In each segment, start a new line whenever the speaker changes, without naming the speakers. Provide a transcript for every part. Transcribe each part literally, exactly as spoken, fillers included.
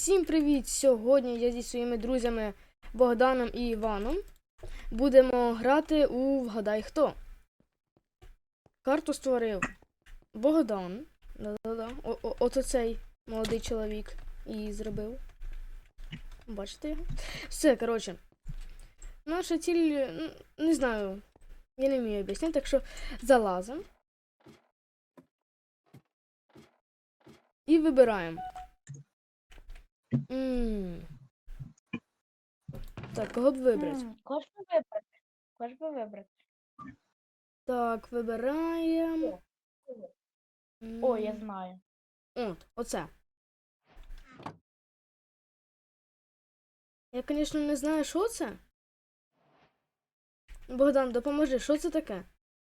Всім привіт! Сьогодні я зі своїми друзями Богданом і Іваном будемо грати у Вгадай хто. Карту створив Богдан. Да-да-да. Ото цей молодий чоловік і зробив. Бачите його? Все, коротше. Наша ціль, не знаю, я не вмію об'яснити, так що залазимо. І вибираємо. М. Так, кого б вибрати?
М, Кого ж би вибрати? Кого ж би вибрати?
Так, вибираємо.
О, я знаю.
От, оце. Я, звісно, не знаю, що це. Богдан, допоможи, що це таке?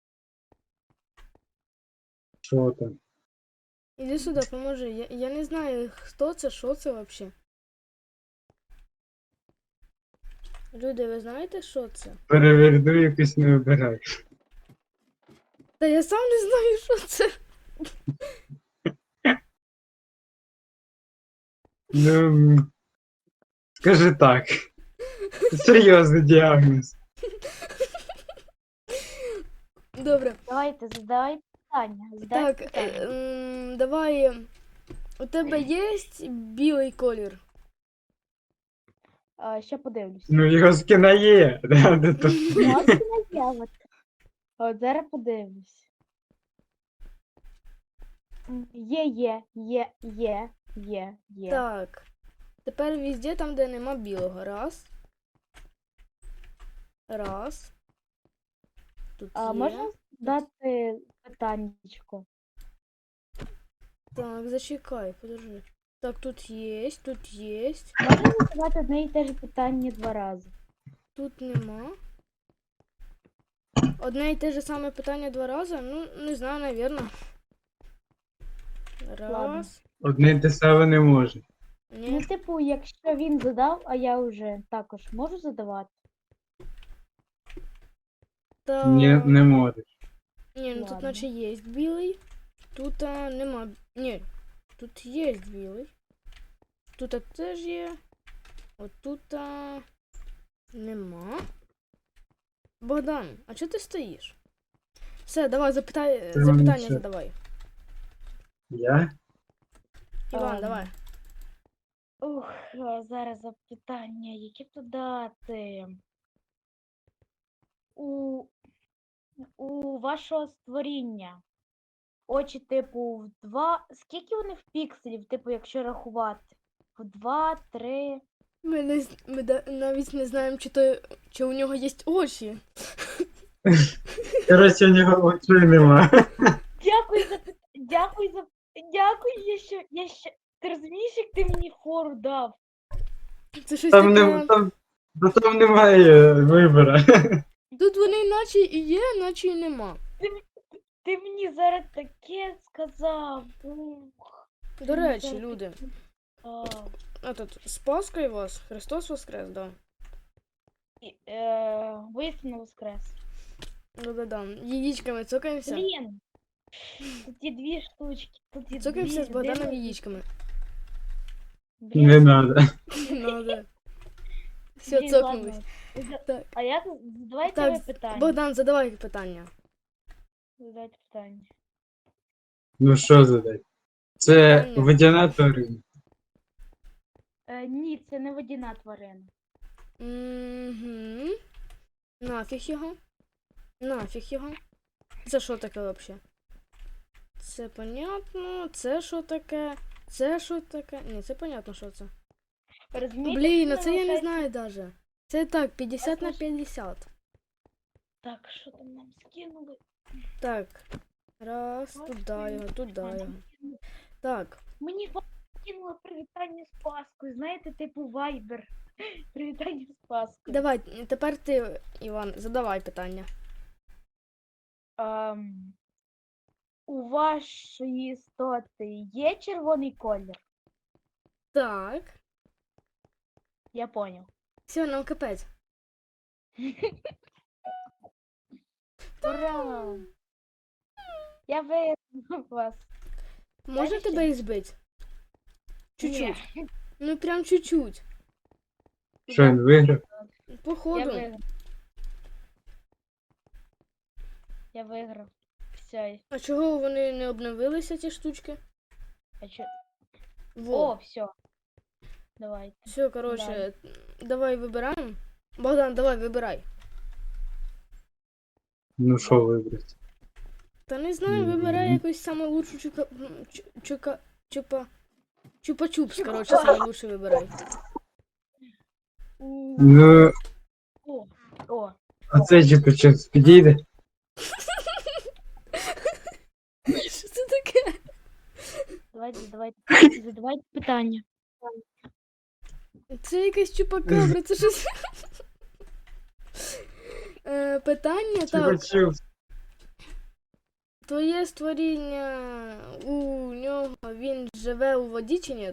Що там?
Іди сюди, поможи. Я, я не знаю, хто це, що це взагалі. Люди, ви знаєте, що це?
Переверну якось не вибирай.
Та я сам не знаю, що це.
Ну, скажи так. Серйозний діагноз.
Добре.
Давайте, задавай питання. Задай
Так,
питання.
е, м, давай. У тебе є білий колір?
А, ще подивлюсь.
Ну, його скина є. Да, де то.
Можна я от? От зараз подивлюсь. М, Є, є, є, є, є, є.
Так. Тепер везде там, де нема білого. Раз. Раз. Тут
А
є.
можна дати питаннячко?
Так, зачекай, подожди. Так, тут є, тут є.
Можна задавати одне і те ж питання два рази?
Тут нема. Одне і те ж саме питання два рази? Ну, не знаю, навірно. Раз.
Ладно.
Одне й те саме не може.
Ну,
Ні.
типу, якщо він задав, а я вже також можу задавати?
Та...
Ні, не можеш.
Ні, ну тут
Ладно.
наче є білий. Тут а, нема. Ні. Тут є білий. Тут а, теж є. От тут а, нема. Богдан, а чого ти стоїш? Все, давай, запитай,
Та
запитання
нічого.
задавай.
Я?
Іван,
Ем.
давай.
Ух, а, зараз запитання, які б то дати. У, у вашого створіння очі, типу, в два. Скільки вони в пікселів, типу, якщо рахувати? В два, три.
Ми, не, з- ми да- навіть не знаємо, чи, то, чи у нього є очі.
Коротше, у нього очей нема.
Дякую за пит- дякую за дякую, я ще, я ще. Ти розумієш, як ти мені фору дав?
Це щось
Там,
таке.
не, там, да там немає вибора.
Тут вони наче і є, наче і нема.
Ти мені зараз таке сказав. Ух.
До
Мені
речі,
зараз
люди.
таке сказав.
Этот, з Паскою вас. Христос воскрес, да.
І, Е, Воістину воскрес.
Да-да-да. Яєчками цокаємося.
Блін. Тут є дві штучки. Тут є
Цокаємося
дві.
з Богданом
Де-
яєчками.
Блін,
Не надо.
Надо. Все,
блін,
цокнулись.
ладно.
Так.
А я тут- задавайте
Так,
ви питання.
Богдан, задавай питання.
Задавайте питання.
Ну що задати? Це
Питання.
водяна тварина.
Е, ні, це не водяна тварина.
Угу. Нафіг його. Нафіг його. Це що таке взагалі? Це понятно. Це що таке? Це що таке? Ні, це понятно, що це.
Розумієте,
Блін, а
що
це я не
виходить?
знаю даже. Це так, п'ятдесят на
Послухай.
п'ятдесят.
Так, що там нам скинули?
Так. Раз,
Ось
туди
він.
його, туди
А,
його.
нам скинули.
Так.
Мені ва- скинуло привітання з Паскою. Знаєте, типу Вайбер. Привітання з Паскою.
Давай, тепер ти, Іван, задавай питання.
Ем, у вашої істоти є червоний колір?
Так.
Я поняв.
Все, нам капець.
Ура! Я виграв вас.
Можна
Дальше.
тебе і збити? Чуть-чуть.
Ні.
Ну прям чуть-чуть.
Що він виграв?
Я
Походу.
виграв. Я виграв. Все.
А чого вони не обновилися, ці штучки?
А чо...
Во.
О, все. Давайте.
Все, коротше, давай вибираємо. Богдан, давай вибирай.
Ну що вибрати?
Та не знаю,
Мгм.
вибирай якусь саму лучшу чука... м, чу- чука... чупа... Чупа-чупс, коротше, саме лучше вибирай.
У,
Ну,
О, о.
а це чи щось підійде?
Що це таке?
Давайте, давайте. Задавайте питання.
Це якась чупакабра, це щось. Е, питання,
Чи
так.
хочу?
Твоє створіння у нього він живе у воді чи ні?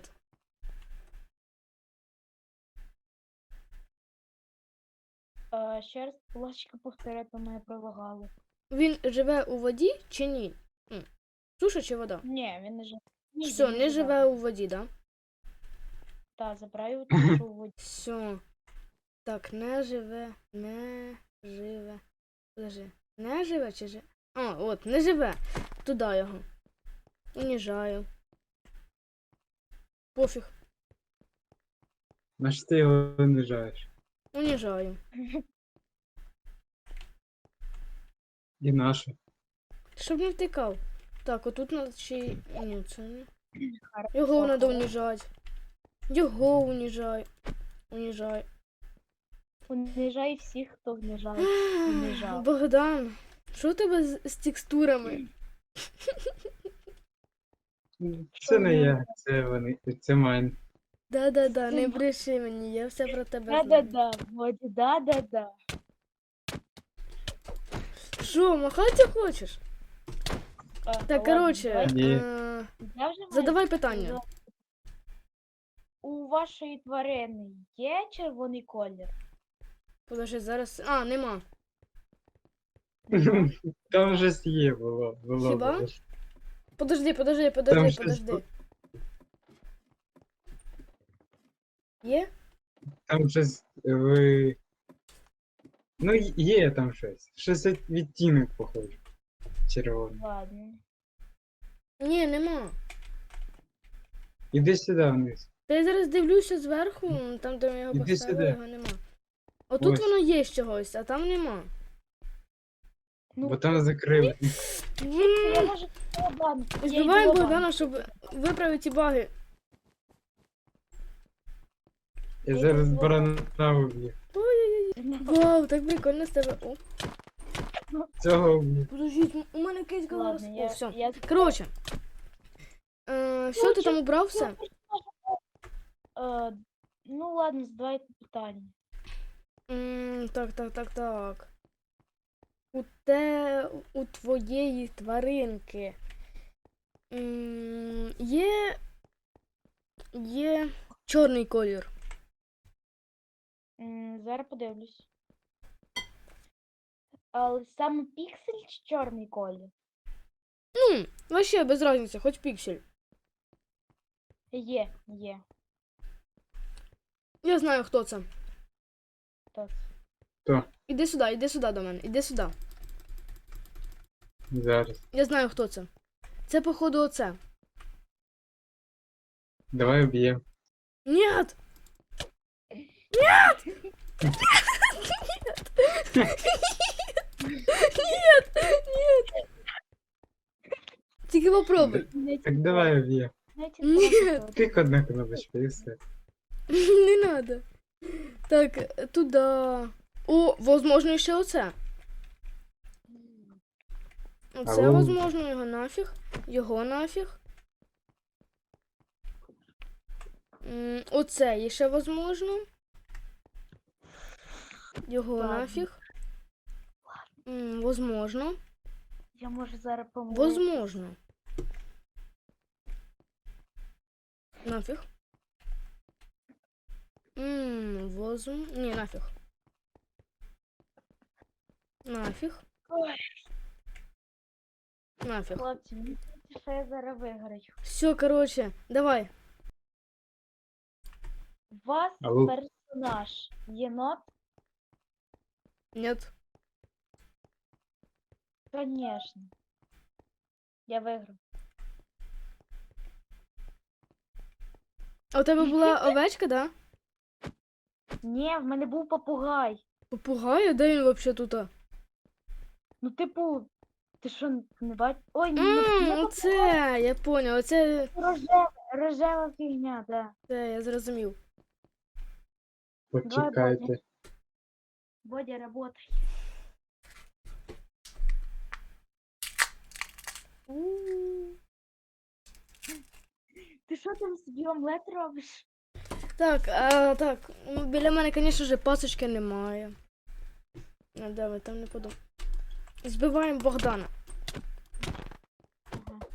Е, ще раз, будь ласка, повторяйте моє пролагало.
Він живе у воді чи ні? М. Суша чи вода?
Ні, він не живе. Ні,
Все,
він
не живе у воді, да?
Так, забираю те, що у воді.
Все. Так, не живе, не живе. Подожди. Не живе чи живе? А, от, не живе. Туди його. Уніжаю. Пофіг.
На що ти його винижаєш?
Уніжаю.
І наше.
Щоб не втикав. Так, отут надо чи. Ні, це не.
Хорошо,
Його треба
хорошо.
уніжати. Його уніжай. Уніжай.
Унижай всіх, хто внижає. Уніжав.
Богдан, що у тебе з, з текстурами?
Це не я, це вони, це майн.
Да-да-да, не бреши мені, я все про тебе знаю.
Да-да-да, Воді, да-да-да.
Що, махати хочеш?
А,
Так,
ладно,
коротше,
давайте.
Ні.
е,
Я вже маю
задавай питання.
задавати. У вашої тварини є червоний колір?
Подожди, зараз. А, нема.
Нема?
Там щось є було. було
Хіба?
було.
Подожди, подожди, подожди,
Там щось
подожди.
бу-
Є?
Там щось ви. Ну, є там щось. Щось від- відтінок похоже. Червоний.
Ладно.
Ні, нема.
Іди сюди вниз.
Та я зараз дивлюся зверху, там, де ми його
Іди
поставили,
сюди.
його нема. Отут
Ось.
воно є з чогось, а там нема.
Ну,
Бо там закрили.
я можу Богдан. я йду
Збиваємо
до
Богдана, щоб виправити ці баги.
Я
Я
зараз
йду
барана вб'ю.
банку.
Вау, так прикольно з тебе. О,
Цього вб'ю.
подождіть, у мене кейс голос.
Ладно,
О,
я,
все.
я...
Коротше. Е, все, ти там убрав все?
Е, ну ладно, задавайте питання.
М, так, так, так, так. У те, у твоєї тваринки м, є, є чорний колір.
М, зараз подивлюсь. Але саме піксель чи чорний колір?
Ну, вообще без разниці, хоч піксель.
Є, є.
Я знаю, хто це.
Так.
Іди сюди, іди сюди до мене, іди сюди.
Зараз.
Я знаю, хто це. Це, походу, оце.
Давай вб'ємо.
Нет! Нет! Нет! Тільки попробуй.
Не
Так давай вб'ємо.
знаєте,
Ні.
просто-
Тик одна кнопочка і все.
Не надо. Так, туда. О, возможно, ще оце. Оце,
Ау.
возможно, його нафіг. Його нафіг. М, Оце є ще возможно. Його
Ладно.
нафіг. М, Возможно.
Я можу зараз помилити.
Возможно. Нафіг. Ммм, возм... Не, нафіг. Нафіг.
Ой,
Нафіг.
хлопці, мені здається, що я зараз виграю.
Все, короче, давай.
У вас
Алло.
персонаж єнот?
Нет.
Конечно. Я виграв.
А у тебе була овечка, да?
Ні, в мене був попугай.
Попугай, а де він вообще тут?
Ну, типу, ти що, не бачиш? Ой, не,
Ммм,
не
оце, я поняв, оце,
рожева, рожева фігня, да.
це я зрозумів.
Почекайте.
Бодя, работай. Ти що там собі омлет робиш?
Так, а, так, ну, біля мене, звісно ж, пасочки немає. А де ви там не подумав. Збиваємо Богдана.
Ага.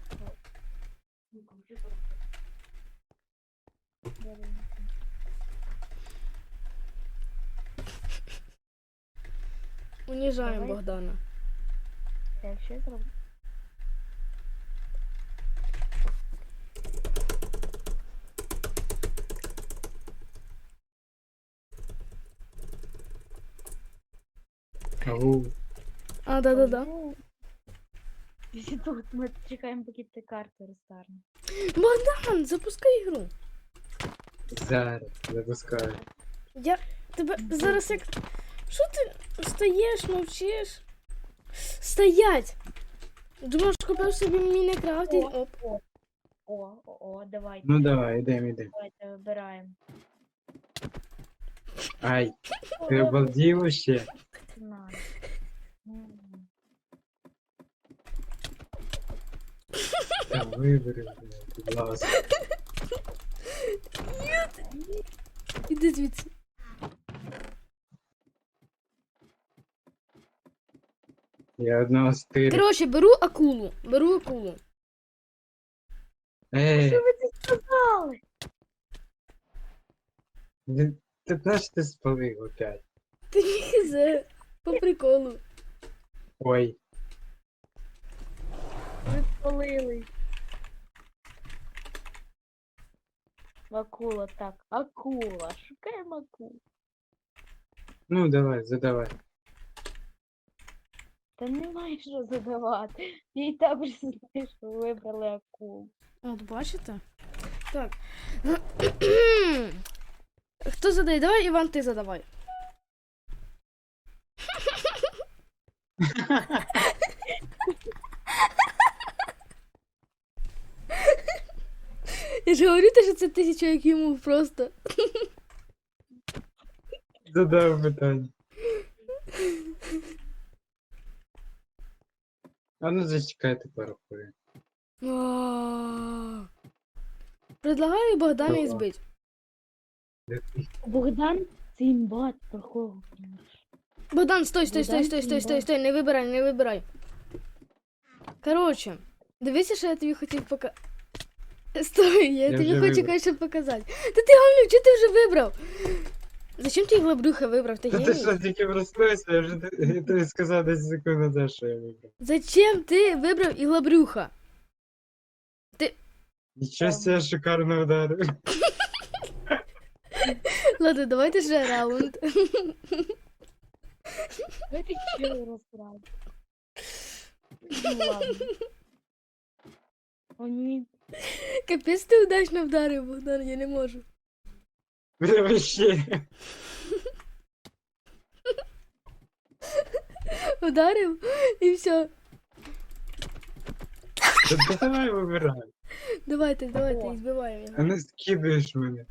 Уніжаємо
Давай.
Богдана.
Так, що я зроблю?
Ау.
А, да-да-да.
Всі тут ми чекаємо, поки ти карту розтарне.
Богдан, запускай ігру.
Зараз запускаю.
Я тебе зараз як. Що ти стоїш, мовчиш? Стоять! Думаєш, купив собі Мінекрафт і.
О.
Оп.
О, о, о, давайте,
Ну давай, ідемо, ідемо.
давайте вибираємо.
Ай, ти обалдів ще?
На. М.
Та вибери, блядь, будь ласка.
Іди звідси.
Я одного стирю.
Коротше, беру акулу. Беру акулу.
Ей,
Що ви це сказали?
він- ти знаєш, ти спалив опять.
Та ні, це по приколу.
Ой,
Ви спалили. Акула, так, акула. Шукаємо акулу.
ну давай, задавай.
Та немає що задавати. Я і так вже знаю, що ви вибрали акулу.
От бачите? Так. Хто задає? Давай, Іван, ти задавай. Я ж говорю, те, що це тисяча як йому просто.
Задав питання. А ну зачекайте пару хвилин.
А. Предлагаю Богдана і
Добре.
збить.
Богдан це імбат, про кого?
Богдан, стой, стой, стой,
Богдан
стой, стой, стой,
Сімба.
стой, не вибирай, не вибирай. Коротше, дивися, що я тобі хотів показати. Стой, я,
Я
тобі
вже
хочу
вибрав.
кое-що показати. Та ти гавлю, чого ти вже вибрав? Зачем ти глобрюха вибрав? Ти
Та ти
геній?
що, тільки проснувся, я вже т- я тобі сказав десять секунд назад, що я вибрав.
Зачем ти вибрав іглобрюха?
Нічого себе шикарно ударив.
Ладно, давайте ще раунд.
Ви ти чого розправді? Ну ладно. О, ні.
Капець ти удачно вдарив, Богдан, я не можу.
Бля, вообще.
Ударив і все.
Та давай вибирай.
Давайте, давайте,
О.
і збиваємо його.
А не скидаєш мене.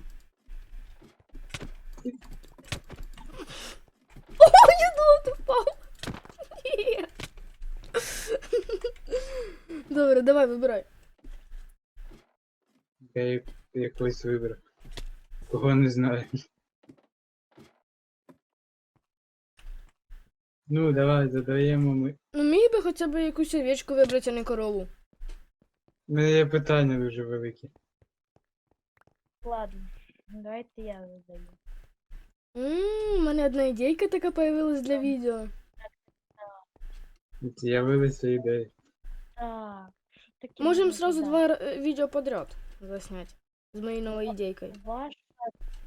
О, я думав, ти впав. Ні. Добре, давай, вибирай.
Я як- якось вибрав. Кого не знаю. Ну, давай, задаємо ми.
Ну міг би хоча б якусь овечку вибрати, а не корову.
У мене є питання дуже велике.
Ладно. Давайте я задаю.
Ммм, у мене одна ідейка така появилась для відео.
З'явилися ідеї.
Так, що таке?
Можемо
можна
сразу
задати?
два е, відео подряд заснять з моєю новою ідейкою.
Ваша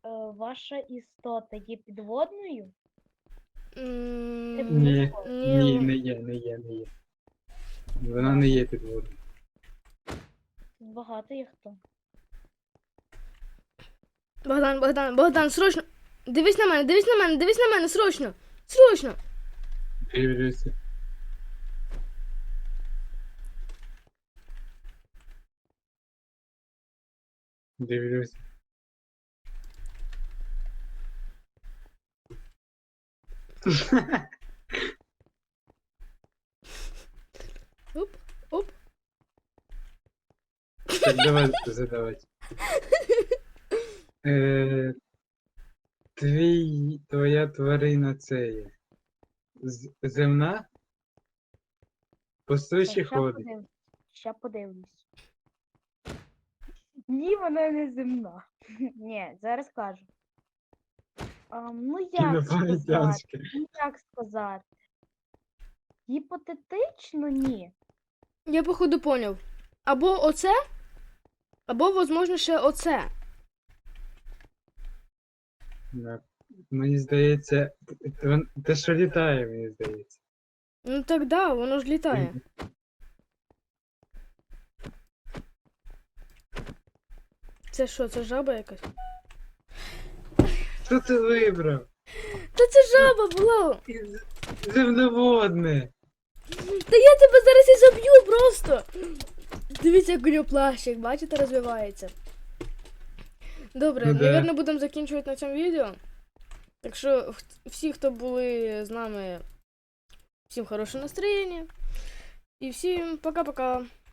ваша істота є підводною?
М,
Типу,
Ні,
Ні.
ні, не є, не є, не є. Вона не є підводною.
Тут багато є хто.
Богдан, Богдан, Богдан, срочно! Дивись на мене, дивись на мене, дивись на мене, срочно! Срочно!
Дивлюся. Дивлюся.
Оп, оп.
Так, давай задавати. Е, твій, твоя тварина це є. З- Земна? По суші
Ща
ходить.
подивлюсь. Ща подивлюсь. Ні, вона не земна. Ні, зараз кажу. А, ну як сказати?
Інопланетянське.
Ну як сказати? Гіпотетично ні.
Я походу поняв. Або оце, або, возможно, ще оце.
Да. Мені здається, те- те, що літає, мені здається.
Ну так да, воно ж літає. Це що, це жаба якась?
Що ти вибрав?
Та це жаба була!
Земноводне.
Та я тебе зараз і заб'ю просто! Дивіться, як у нього плащик, бачите, розвивається. Добре,
Ну да.
напевно, будемо закінчувати на цьому відео. Так що х- всі, хто були з нами, всім хорошого настроєння. І всім пока-пока.